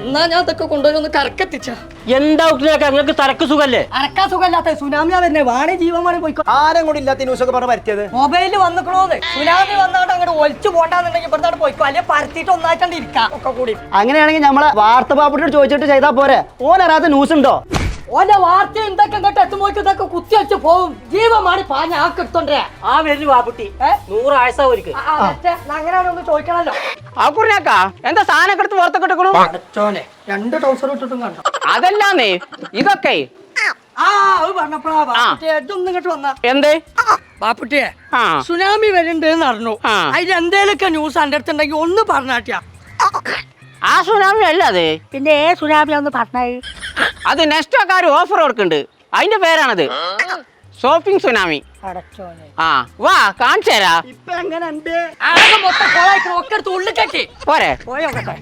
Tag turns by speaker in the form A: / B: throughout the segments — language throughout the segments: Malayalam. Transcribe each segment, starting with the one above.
A: എന്നാ ഞാൻ അതൊക്കെ കൊണ്ടുവന്ന് കറക്കെത്തിച്ച.
B: എന്താ നിങ്ങൾക്ക് തലക്ക് സുഖല്ലേ?
A: അരക്കാ സുഖമില്ലാത്ത സുനാമിയാ തന്നെ വാണി ജീവന്മാരെ പോയിക്കോ.
C: ആരും കൂടി ഇല്ലാത്ത ന്യൂസൊക്കെ പറഞ്ഞ് പറ്റിയത്
A: മൊബൈലിൽ വന്നിക്കണോന്ന്. സുനാമി വന്നാണ്ട് അങ്ങോട്ട് ഒലിച്ചു പോണ്ടാന്നുണ്ടെങ്കിൽ ഇവിടുത്തെ പോയിക്കോ, അല്ലെ പരത്തിയിട്ട് ഒന്നായിട്ടാണ്ട് ഇരിക്കാം ഒക്കെ കൂടി.
C: അങ്ങനെയാണെങ്കിൽ നമ്മളെ വാർത്ത പാപ്പുട്ടിയോട് ചോദിച്ചിട്ട് ചെയ്താൽ പോരെ? ഓനറിയാത്ത ന്യൂസ് ഉണ്ടോ?
A: ഓന്റെ വാർത്ത എന്തൊക്കെ ഇങ്ങോട്ട് എത്തുമ്പോൾ ഇതൊക്കെ കുത്തി വെച്ച് പോവും. ജീവമാണി പാഞ്ഞ ആക്കെടുത്തോണ്ടേ
B: ആ വരുന്നു വാപ്പുട്ടി 100 ആയസാ ഒരിക്കൽ.
A: അങ്ങനെയാണൊന്ന് ചോദിക്കണല്ലോ.
B: ആക്കുറിനാക്കാ എന്താ സാധനം എടുത്ത് പുറത്തൊക്കെ ഇട്ടു?
A: അടച്ചോനെ 2 ട്രൗസർ ഇട്ടിട്ടും കണ്ടോ?
B: അതല്ലാന്നേ ഇതൊക്കെ
A: അത് പറഞ്ഞപ്പോഴാ ബാപ്പുട്ടിയെ ഇതൊന്നും ഇങ്ങോട്ട് വന്ന
B: എന്തേ
A: ബാപ്പുട്ടിയെ
B: ആ
A: സുനാമി വരുന്നുണ്ട് അറിഞ്ഞു.
B: ആ.
A: അതിൽ എന്തേലൊക്കെ ന്യൂസ് എൻ്റെ അടുത്തുണ്ടെങ്കിൽ ഒന്ന് പറഞ്ഞാട്ടിയാ.
B: ആ സുനാമി അല്ല അത്.
A: പിന്നെ സുനാമി ഒന്ന് പറഞ്ഞേ.
B: അത് നെക്സ്റ്റോക്കാർ ഓഫർ കൊടുക്കുന്നുണ്ട്, അതിന്റെ പേരാണത് ഷോപ്പിംഗ് സുനാമി.
A: അടച്ചോനെ
B: ആ വാ കാണിച്ചു തരാ.
A: ഇപ്പൊ എങ്ങനെയുണ്ട്? ആകെ മൊത്തം കൊളായിട്ട് ഒക്കെ എടുത്ത് ഉള്ളിൽ കെട്ടി
B: പോരെ.
A: പോയോട്ടെ.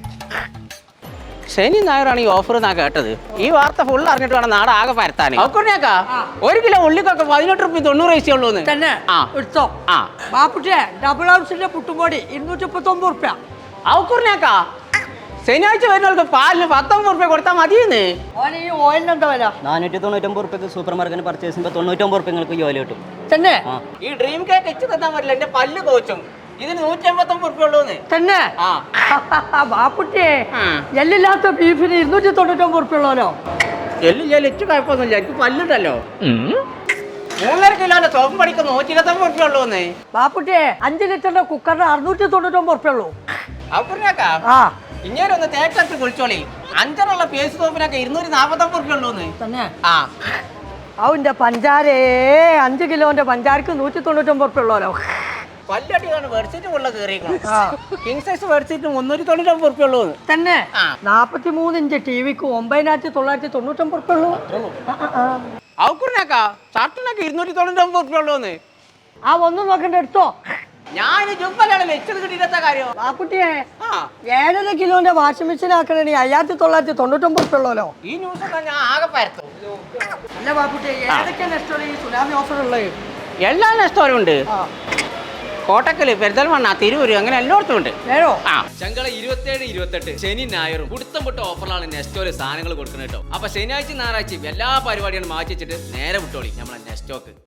B: ശനി ഞായറാണ് ഈ ഓഫർ എന്നാ കേട്ടത്. ഈ വാർത്ത ഫുൾ അറിഞ്ഞിട്ട് വേണം നാട് ആകെ പരത്താൻ. അക്കുറിനാക്കാ 1 കിലോ ഉള്ളിക്കൊക്കെ 18 റുപ്യ 90 പൈസ ഉള്ളൂ
A: തന്നെ.
B: ആ
A: എടുത്തോ.
B: ആ
A: ബാപ്പുട്ടിയെ ഡബിൾ ഹൗസിന്റെ പുട്ടുംപൊടി 239 റുപ്യ.
B: അക്കുറിനാക്കാ ശനിയാഴ്ച വരുന്നവർക്ക് പാലിന് 19 റുപ്യ കൊടുത്താൽ മതിയെന്ന്.
A: ഓനെ ഈ ഓയിലിന് എന്താ വില?
C: 499 റുപ്യക്ക് സൂപ്പർ മാർക്കറ്റിൽ പർച്ചേസ് ചെയ്യുമ്പോൾ 99 റുപ്യ നിങ്ങൾക്ക് ജോലി കിട്ടും.
A: തന്നെ.
B: ഈ ഡ്രീം കേക്ക് എച്ച് തന്നാൻ പറ്റില്ല, എന്റെ പല്ല് കോച്ചും. ഇതിന് 189 റുപ്യ ഉള്ളൂന്ന്.
A: തന്നെ.
B: ആ
A: ബാപ്പുട്ടിയെ
B: ആ.
A: എല്ലില്ലാത്ത ബീഫിന് 299 റുപ്യ ഉള്ളല്ലോ.
B: എല്ലാം എച്ച് കുഴപ്പമൊന്നുമില്ല, എനിക്ക് പല്ലുണ്ടല്ലോ. 3.5 കിലോന്റെ സോപ്പ് പണിക്ക് 129 റുപ്യ ഉള്ളൂന്ന്.
A: ബാപ്പുട്ടിയെ 5 ലിറ്ററിന്റെ കുക്കറിന് 699 റുപ്യ ഉള്ളൂ.
B: അക്കുറിനാക്കാ
A: ആ
B: ഇങ്ങനെ ഒന്ന് തേക്കത്ത് കുളിച്ചോളി. 5 പേസ് സോപ്പിനൊക്കെ 249 റുപ്യ ഉള്ളൂന്ന്.
A: തന്നെ.
B: ആ
A: അവന്റെ പഞ്ചാരേ 5 കിലോന്റെ പഞ്ചാരക്ക് 199 റുപ്യ ഉള്ളല്ലോ.
B: പല്ലടിയാണ് ബെഡ്ഷീറ്റ് ഉള്ള കയറിയിരിക്കണം. കിങ് സൈസ് ബെഡ്ഷീറ്റ് 399 റുപ്യ ഉള്ളൂന്ന്.
A: തന്നെ.
B: ആ.
A: 43 ഇഞ്ച് ടിവിക്ക് 9999 റുപ്യ ഉള്ളൂ.
B: അക്കുറിനാക്കാ ഷർട്ടിനൊക്കെ 299 റുപ്യ ഉള്ളൂന്ന്.
A: ആ ഒന്നും നോക്കണ്ട, എടുത്തോ.
B: ഞാൻ ജുമ്പലാണ് വെച്ചത് കിട്ടിയിട്ട കാര്യം.
A: ബാപ്പുട്ടിയെ
B: ആ
A: 7.5 കിലോന്റെ വാഷിംഗ് മെഷീൻ ആക്കണേ 5999 റുപ്യ ഉള്ളല്ലോ.
B: ഈ ന്യൂസ് ഒക്കെ ഞാൻ ആകെ പരത്തും.
A: അല്ല ബാപ്പുട്ടിയെ ഏതൊക്കെയാണ് ഇഷ്ടമുള്ള ഈ സുനാമി ഓഫർ ഉള്ളത്?
B: എല്ലാ നെസ്റ്റോറും ഉണ്ട്. കോട്ടക്കല്, പെരിന്തൽമണ്ണ, തിരൂര്, അങ്ങനെ എല്ലായിടത്തും ഉണ്ട്.
A: നേരോ?
B: ആ
D: ചങ്കള 27, 28 ശനി ഞായറും പുടുത്തം പൊട്ട ഓഫറിലാണ് നെസ്റ്റോല് സാധനങ്ങൾ കൊടുക്കുന്നത് കേട്ടോ. അപ്പൊ ശനിയാഴ്ച ഞായറാഴ്ച എല്ലാ പരിപാടികളും മാറ്റി വെച്ചിട്ട് നേരെ വിട്ടോളി നമ്മളെ നെസ്റ്റോക്ക്.